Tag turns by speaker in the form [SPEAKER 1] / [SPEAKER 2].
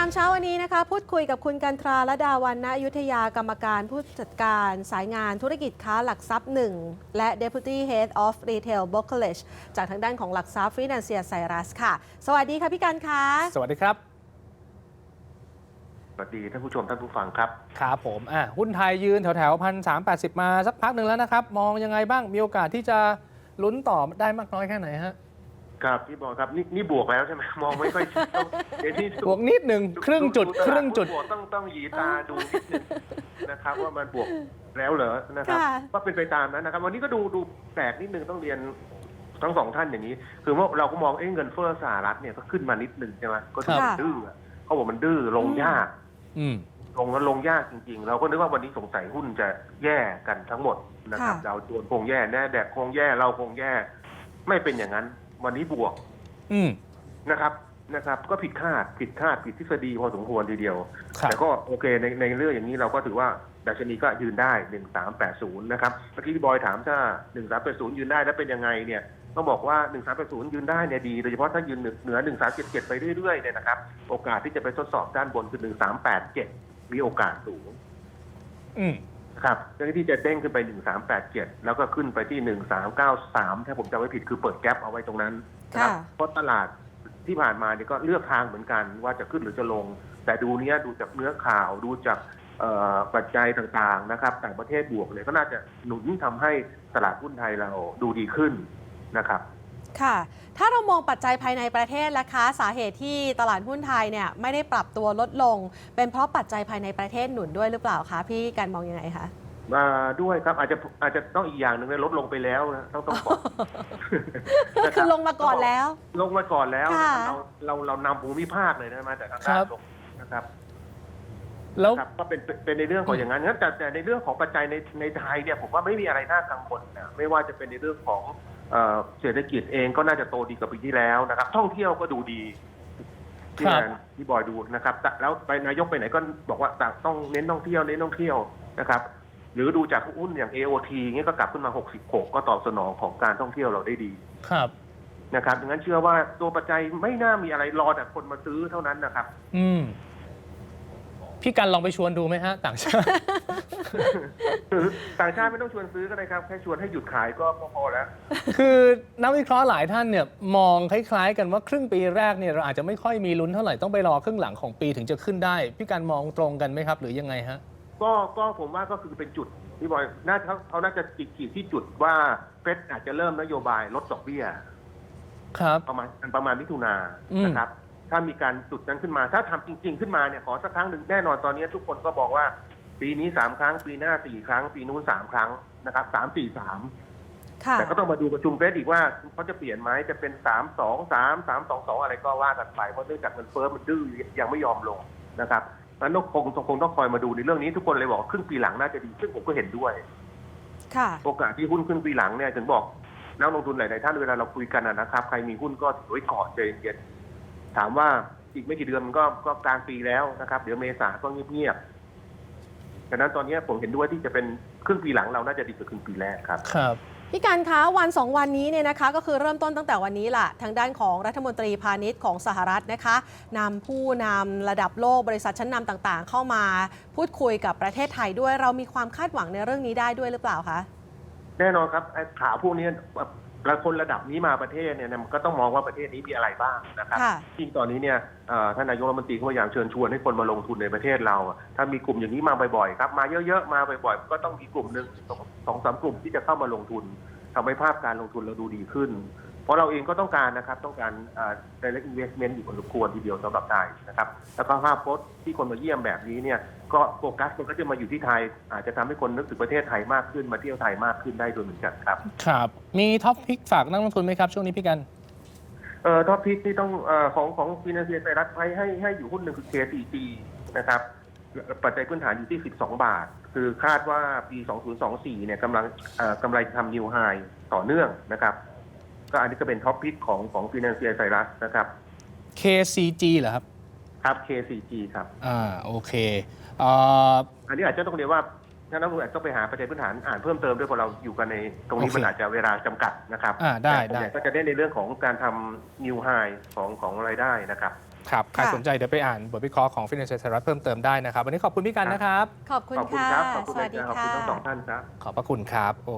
[SPEAKER 1] ามเช้าวันนี้นะคะพูดคุยกับคุณกันทราและดาวันณอยุธยากรรมการผู้จัดการสายงานธุรกิจค้าหลักทรัพย์1และ Deputy Head of Retail Brokerage จากทางด้านของหลักทรัพย์ Financier Cyrus ค่ะสวัสดีค่ะพี่กันคะ
[SPEAKER 2] สวัสดีครับ
[SPEAKER 3] สวัสดีท่านผู้ชมท่านผู้ฟังครับ
[SPEAKER 2] ครับผมหุ้นไทยยืนแถว1,380มาสักพักหนึ่งแล้วนะครับมองยังไงบ้างมีโอกาสที่จะลุ้นต่อได้มากน้อยแค่ไหนฮะ
[SPEAKER 3] ครับพี่บอลครับนี่บวกแล้วใช่ไหมมองไม่ค่อยชัด
[SPEAKER 2] บวกนิดหนึ่งครึ่งจุด
[SPEAKER 3] ต้องหยีตาดูนิดนึงนะครับว่ามันบวกแล้วเหรอนะครับก็เป็นไปตามนั้นนะครับวันนี้ก็ดูแปลกนิดนึงต้องเรียนทั้งสองท่านอย่างนี้คือว่าเราก็มองเงินเฟ้อสหรัฐเนี่ยก็ขึ้นมานิดนึงใช่ไหมก็ดื้อเขาบอกมันดื้อลงยากลงยากจริงๆเราก็นึกว่าวันนี้สงสัยหุ้นจะแย่กันทั้งหมดนะครับเราโดนคงแย่แน่แดกคงแย่เราคงแย่ไม่เป็นอย่างนั้นวันนี้บวกนะครับก็ผิดคาดผิดทฤษฎีพอสมควรทีเดียวแต่ก็โอเคในเรื่องอย่างนี้เราก็ถือว่าดัชนีก็ยืนได้1380นะครับเมื่อกี้พี่บอยถามถ้า1380ยืนได้แล้วเป็นยังไงเนี่ยต้องบอกว่า1380ยืนได้เนี่ยดีโดยเฉพาะถ้ายืนเหนือ1377ไปเรื่อยๆเนี่ยนะครับโอกาสที่จะไปทดสอบด้านบนคือ1387มีโอกาสสูงครับเรื่องที่จะเด้งขึ้นไป1387แล้วก็ขึ้นไปที่1393ถ้าผมจำไม่ผิดคือเปิดแกปเอาไว้ตรงนั้นนะครับเพราะตลาดที่ผ่านมาเนี่ยก็เลือกทางเหมือนกันว่าจะขึ้นหรือจะลงแต่ดูจากเนื้อข่าวดูจากปัจจัยต่างๆนะครับต่างประเทศบวกเลยก็น่าจะหนุนทำให้ตลาดหุ้นไทยเราดูดีขึ้นนะครับ
[SPEAKER 1] ค่ะถ้าเรามองปัจจัยภายในประเทศล่ะคะสาเหตุที่ตลาดหุ้นไทยเนี่ยไม่ได้ปรับตัวลดลงเป็นเพราะปัจจัยภายในประเทศหนุนด้วยหรือเปล่าคะพี่กันมองยังไงคะ
[SPEAKER 3] ด้วยครับอาจจะต้องอีกอย่างหนึ่งลดลงไปแล้วนะต้องบอก
[SPEAKER 1] คือลงมาก่อนแล้ว
[SPEAKER 3] เรานำภูมิภาคเลยนะมาแต่ทางด้านลงนะครับ
[SPEAKER 2] แล้ว
[SPEAKER 3] ก็เป็นในเรื่องของอย่างนั้นแต่ในเรื่องของปัจจัยในไทยเนี่ยผมว่าไม่มีอะไรน่ากังวลนะไม่ว่าจะเป็นในเรื่องของเศรษฐกิจเองก็น่าจะโตดีกว่าปีที่แล้วนะครับท่องเที่ยวก็ดูดีที่บอยดูนะครับแล้วไปนายกไปไหนก็บอกว่าต้องเน้นท่องเที่ยวนะครับหรือดูจากหุ้นอย่าง AOT เงี้ยก็กลับขึ้นมา66ก็ตอบสนองของการท่องเที่ยวเราได้ดี
[SPEAKER 2] ครับ
[SPEAKER 3] นะครับดังนั้นเชื่อว่าตัวปัจจัยไม่น่ามีอะไรรอแต่คนมาซื้อเท่านั้นนะครับ
[SPEAKER 2] พี่กันลองไปชวนดูไหมฮะต่างชาติ
[SPEAKER 3] ต่างชาติไม่ต้องชวนซื้อก็ได้ครับแค่ชวนให้หยุดขายก็พอแล้ว
[SPEAKER 2] คือนักวิเคราะห์หลายท่านเนี่ยมองคล้ายๆกันว่าครึ่งปีแรกเนี่ยเราอาจจะไม่ค่อยมีลุ้นเท่าไหร่ต้องไปรอครึ่งหลังของปีถึงจะขึ้นได้พี่กันมองตรงกันไหมครับหรือยังไงฮะ
[SPEAKER 3] ก็ผมว่าก็คือเป็นจุดที่บอยเขาน่าจะขีดที่จุดว่าเฟดอาจจะเริ่มนโยบายลดดอกเบี้ย
[SPEAKER 2] ครับ
[SPEAKER 3] ประมาณมิถุนายนนะครับถ้ามีการจุดนั้นขึ้นมาถ้าทำจริงๆขึ้นมาเนี่ยขอสักครั้งหนึ่งแน่นอนตอนนี้ทุกคนก็บอกว่าปีนี้3ครั้งปีหน้า4ครั้งปีนู้น3ครั้งนะครับ3-4-3แต่ก็ต้องมาดูประชุมเฟดอีกว่าเขาจะเปลี่ยนไหมจะเป็น3-2-3 3-2-2อะไรก็ว่ากันไปเพราะเนื่องจากเงินเฟ้อมันดื้อยังไม่ยอมลงนะครับนั้นคงต้องคอยมาดูในเรื่องนี้ทุกคนเลยบอกครึ่งปีหลังน่าจะดีซึ่งผมก็เห็นด้วยโอกาสที่หุ้นครึ่งปีหลังเนี่ยถึงบอกนักลงทุนหลายๆท่านเวลาเราคุยกันนะครับใครมีหุ้นก็ถือไว้ก่อนใจเย็นถามว่าอีกไม่กี่เดือนมันก็กลางปีแล้วนะครับเดี๋ยวเมษาก็เงียบๆดังนั้นตอนนี้ผมเห็นด้วยที่จะเป็นครึ่งปีหลังเราน่าจะดีกว่าครึ่งปีแรกครับ
[SPEAKER 1] พี่การคะวัน2วันนี้เนี่ยนะคะก็คือเริ่มต้นตั้งแต่วันนี้ล่ะทางด้านของรัฐมนตรีพาณิชย์ของสหรัฐนะคะนำผู้นำระดับโลกบริษัทชั้นนำต่างๆเข้ามาพูดคุยกับประเทศไทยด้วยเรามีความคาดหวังในเรื่องนี้ได้ด้วยหรือเปล่าคะ
[SPEAKER 3] แน่นอนครับข่าวพวกนี้คนระดับนี้มาประเทศเนี่ยก็ต้องมองว่าประเทศนี้มีอะไรบ้างนะครับจริงตอนนี้เนี่ยท่านนายกรัฐมนตรีเขาพยายามเชิญชวนให้คนมาลงทุนในประเทศเราถ้ามีกลุ่มอย่างนี้มาบ่อยๆครับมาเยอะๆมาบ่อยๆก็ต้องมีกลุ่มหนึ่ง2-3 กลุ่มที่จะเข้ามาลงทุนทำให้ภาพการลงทุนเราดูดีขึ้นเพราะเราเองก็ต้องการนะครับต้องการdirect investment อยู่พอสมควรทีเดียวสำหรับไทยนะครับแล้วก็ภาพพจน์ที่คนมาเยี่ยมแบบนี้เนี่ยก็โฟกัสมันก็จะมาอยู่ที่ไทยอาจจะทำให้คนนึกถึงประเทศไทยมากขึ้นมาเที่ยวไทยมากขึ้นได้ด้วยเหมือนกันครับ
[SPEAKER 2] ครับมีท็อปพิกฝากนักลงทุนไหมครับช่วงนี้พี่กัน
[SPEAKER 3] ท็อปพิกที่ต้องของ Financier Cyrusให้อยู่หุ้นหนึ่งคือ KCG นะครับปัจจัยพื้นฐานอยู่ที่12 บาทคือคาดว่าปี 2024 เนี่ยกำไรทำนิวไฮต่อเนื่องนะครับก็อันนี้ก็เป็นท็อปพิกของ Financier Cyrus นะครับ
[SPEAKER 2] KCG เหรอครับ
[SPEAKER 3] ครับ KCG ครับ
[SPEAKER 2] โอเค
[SPEAKER 3] อันนี้อาจจะต้องเรียกว่าถ้านักลงทุนอาจจะต้องไปหาปัจจัยพื้นฐานอ่านเพิ่มเติมด้วยเพราะเราอยู่กันในตรงนี้มันอาจจะเวลาจำกัดนะครับ
[SPEAKER 2] ได้
[SPEAKER 3] ก็จะได้ในเรื่องของการทำนิวไฮของรายได้นะครับ
[SPEAKER 2] ครับใคร
[SPEAKER 1] ค่ะ
[SPEAKER 2] สนใจเดี๋ยวไปอ่านบทวิเคราะห์ของ Financial Times เพิ่มเติมได้นะครับ วันนี้ขอบคุณพี่กันนะครับ
[SPEAKER 1] ขอบคุณ
[SPEAKER 3] ขอบคุณ
[SPEAKER 1] ค่ะ
[SPEAKER 3] ครับขอบ
[SPEAKER 1] ส
[SPEAKER 3] คุณ
[SPEAKER 1] วัสดี
[SPEAKER 3] ขอบคุณ
[SPEAKER 1] ค่ะ
[SPEAKER 3] ทั้งสองท่านครับ
[SPEAKER 2] ขอบพระคุณครับ